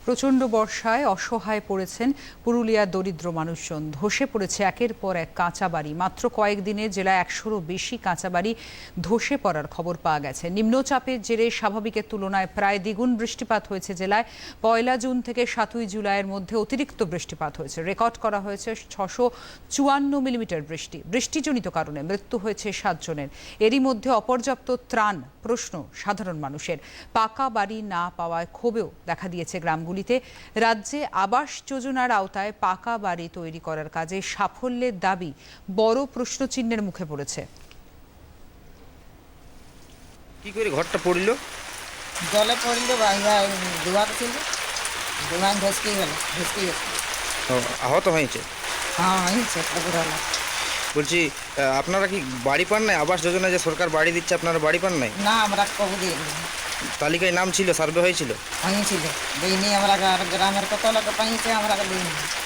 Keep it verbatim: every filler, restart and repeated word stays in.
প্রচণ্ড বর্ষায় অসহায় পড়েছেন পুরুলিয়ার দরিদ্র মানুষজন। ধসে পড়েছে একের পর এক কাঁচা বাড়ি। মাত্র কয়েকদিনে জেলায় একশোরও বেশি কাঁচা বাড়ি ধসে পড়ার খবর পাওয়া গেছে। নিম্নচাপের জেরে স্বাভাবিকের তুলনায় প্রায় দ্বিগুণ বৃষ্টিপাত হয়েছে জেলায়। পয়লা জুন থেকে সাতই জুলাইয়ের মধ্যে অতিরিক্ত বৃষ্টিপাত হয়েছে। রেকর্ড করা হয়েছে ছশো চুয়ান্ন মিলিমিটার বৃষ্টি। বৃষ্টিজনিত কারণে মৃত্যু হয়েছে সাতজনের। এরই মধ্যে অপর্যাপ্ত ত্রাণ প্রশ্ন সাধারণ মানুষের। পাকা বাড়ি না পাওয়ায় ক্ষোভেও দেখা দিয়েছে গ্রামগুলো। রাজ্যে আবাস যোজনার আওতায় পাকা বাড়ি তৈরি করার কাজে সাফল্যের দাবি বড় প্রশ্নচিহ্নের মুখে পড়েছে। কি করে ঘরটা পড়ল? জলে পড়ল, দুয়ার ছিল, দুয়ার ভেসকে গেল, ভেসকে গেছে। আহত হয়েছে? হ্যাঁ হয়েছে। বলছি, আপনারা কি বাড়ি পান নাই? আবাস যোজনা যে সরকার বাড়ি দিচ্ছে, আপনারা বাড়ি পান নাই? না, আমরা কবু দিই। তালিকায় নাম ছিল, সার্ভে হয়েছিল? হয়েছিল, দিইনি আমরা। গ্রামের কত লোক পাইছে, আমরা দিইনি।